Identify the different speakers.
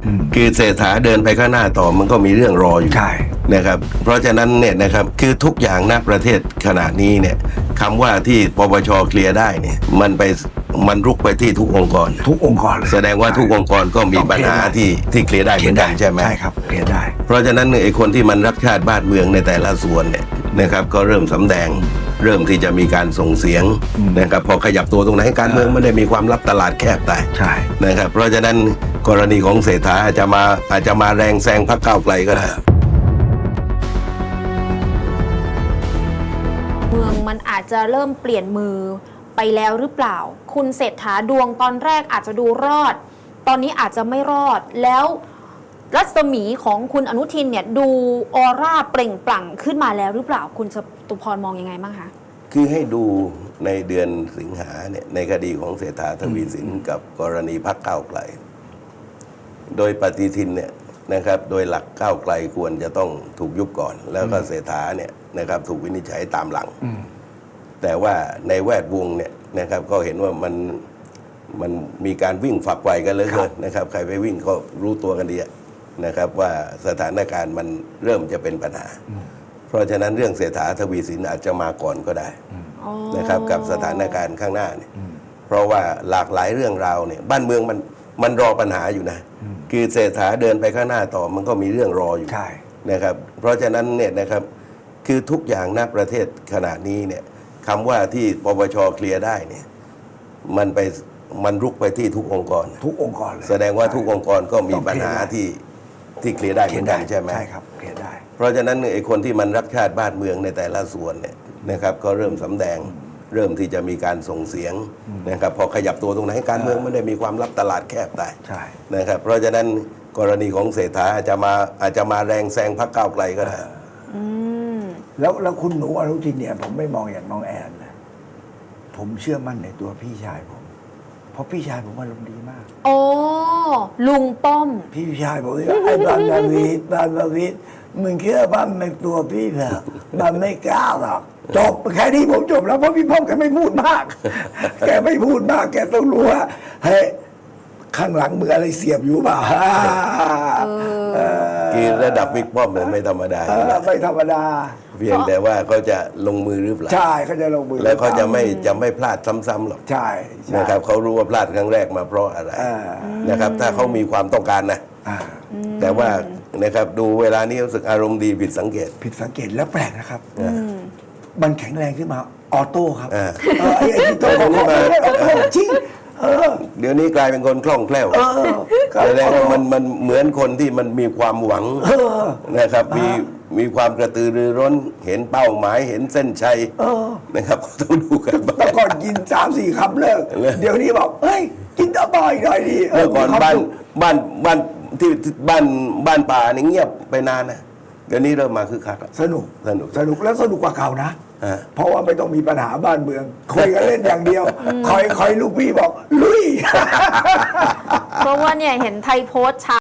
Speaker 1: คือเศรษฐาเดินไปข้างหน้าต่อมันก็มีเรื่องรออยู่
Speaker 2: ใช่
Speaker 1: นะครับเพราะฉะนั้นเนี่ยนะครับคือทุกอย่างณประเทศขณะนี้เนี่ยคำว่าที่ปปชเคลียร์ได้เนี่ยมันรุกไปที่ทุกองค์กร
Speaker 2: ทุกองค์กรเลย
Speaker 1: แสดงว่าทุกองค์กรก็มีปัญหาที่เคลียร์ได้เหมือนกันใช่ไหม
Speaker 2: ใช่ครับเคลียร์ได้
Speaker 1: เพราะฉะนั้นไอ้คนที่มันรักชาติบ้านเมืองในแต่ละส่วนเนี่ยนะครับก็เริ่มสำแดงเริ่มที่จะมีการส่งเสียงนะครับพอขยับตัวตรงไหนการเมืองไม่ได้มีความลับตลาดแคบแต่
Speaker 2: ใช่
Speaker 1: นะครับเพราะฉะนั้นกรณีของเศรษฐาอาจจะมาแรงแซงพรรคก้าวไกลก็ได้
Speaker 3: เมืองมันอาจจะเริ่มเปลี่ยนมือไปแล้วหรือเปล่า คุณเศรษฐาดวงตอนแรกอาจจะดูรอด ตอนนี้อาจจะไม่รอดแล้วรัศมีของคุณอนุทินเนี่ยดูออร่าเปล่งปลั่งขึ้นมาแล้วหรือเปล่าคุณจตุพรมองยังไงบ้างคะ
Speaker 1: คือให้ดูในเดือนสิงหาเนี่ยในคดีของเศรษฐาทวีสินกับกรณีพรรคก้าวไกล โดยปฏิทินเนี่ยนะครับโดยหลักก้าวไกลควรจะต้องถูกยุบก่อน แล้วก็เศรษฐาเนี่ยนะครับถูกวินิจฉัยตามหลัง แต่ว่าในแวดวงเนี่ยนะครับก็เห็นว่ามันมีการวิ่งฝักไฟกันเหลยนะครับใครไปวิ่งก็รู้ตัวกันดีนะครับว่าสถานการณ์มันเริ่มจะเป็นปัญหา เพราะฉะนั้นเรื่องเศรษฐาทวีสินอาจจะมาก่อนก็ได้นะครับกับสถานการณ์ข้างหน้าเนี่ยเพราะว่าหลากหลายเรื่องราวเนี่ยบ้านเมืองมันรอปัญหาอยู่นะคือเศรษฐาเดินไปข้างหน้าต่อมันก็มีเรื่องรออยู่
Speaker 2: ใช่
Speaker 1: นะครับเพราะฉะนั้นเนี่ยนะครับคือทุกอย่างณประเทศขณะนี้เนี่ยคำว่าที่ปปชเคลียร์ได้เนี่ยมันรุกไปที่ทุกองค์กร
Speaker 2: ทุกองค์กรเลย
Speaker 1: แสดงว่าทุกองค์กรก็มีปัญหาที่เคลียร์ได้เหมือนกันใช่ไหม
Speaker 2: ใช่ครับเคลียร์ได้
Speaker 1: เพราะฉะนั้นไอ้คนที่มันรักชาติบ้านเมืองในแต่ละส่วนเนี่ยนะครับก็เริ่มสำแดงเริ่มที่จะมีการส่งเสียงนะครับพอขยับตัวตรงไหนการเมืองไม่ได้มีความลับตลาดแคบแต่
Speaker 2: ใช่
Speaker 1: นะครับเพราะฉะนั้นกรณีของเศรษฐาอาจจะมาแรงแซงพรรคก้าวไกลก็ได้
Speaker 2: แล้วคุณหนูอนุทินเนี่ยผมไม่มองอย่างน้องแอนนะผมเชื่อมั่นในตัวพี่ชายผม เพราะพี่ชายผมอารมณ์ดีมาก
Speaker 3: โอ้ลุงป้อม
Speaker 2: พี่ชายบอกว่าไอ้บางนาวิทมึงเชื่อบ้านในตัวพี่เถอะมันไม่กล้าหรอกจบแค่นี้ผมจบแล้วเพราะพี่ป้อมแกไม่พูดมาก แกไม่พูดมากแกต้องรู้ว่าเฮ้ยข้างหลังมืออะไรเสียบอยู่เปล่า
Speaker 1: คือระดับบิ๊กป้อมเนี่ยไม่ธรรมดาอยู่แล้ว
Speaker 2: ไม่ธรรมดา
Speaker 1: เพียงแต่ว่าเขาจะลงมือหรือเปล่า
Speaker 2: ใช่เขาจะลงมือ
Speaker 1: แล้วเขาจะไม่พลาดซ้ำๆหรอก
Speaker 2: ใช่ใช่
Speaker 1: นะครับเขารู้ว่าพลาดครั้งแรกมาเพราะอะไร นะครับถ้าเขามีความต้องการนะ
Speaker 2: อ่า
Speaker 1: แต่ว่านะครับดูเวลานี้รู้สึกอารมณ์ดีผิดสังเกต
Speaker 2: ผิดสังเกตแล้วแปลกนะครับ มันแข็งแรงขึ้นมาออโต้ครับ
Speaker 1: อ่า
Speaker 2: ไอ้ที่ตัวของเขาไม่ออโต้จริง
Speaker 1: เดี๋ยวนี้กลายเป็นคนคล่องแคล่วแสดงว่ามันเหมือนคนที่มันมีความหวังนะครับมีความกระตือรือร้นเห็นเป้าหมายเห็นเส้นชัยนะครับก็ต้องดูกันบ้าง
Speaker 2: แต่ก่อนกิน3-4 คำเลิก
Speaker 1: เลิก
Speaker 2: เดี๋ยวนี้บอกเฮ้ยกินต่อบ่อยหน่อยดี
Speaker 1: เมื่อก่อนที่บ้านป่านี่เงียบไปนานนะเดี๋ยวนี้เริ่มมาคึกคักแล้ว
Speaker 2: สนุก
Speaker 1: สนุก
Speaker 2: แล้วสนุกกว่าเก่านะ
Speaker 1: อ่า
Speaker 2: เพราะว่าไม่ต้องมีปัญหาบ้านเมืองคุยกันเล่นอย่างเดียวคอยลูกพี่บอกลุย
Speaker 3: เพราะว่าเนี่ยเห็นไทยโพสต์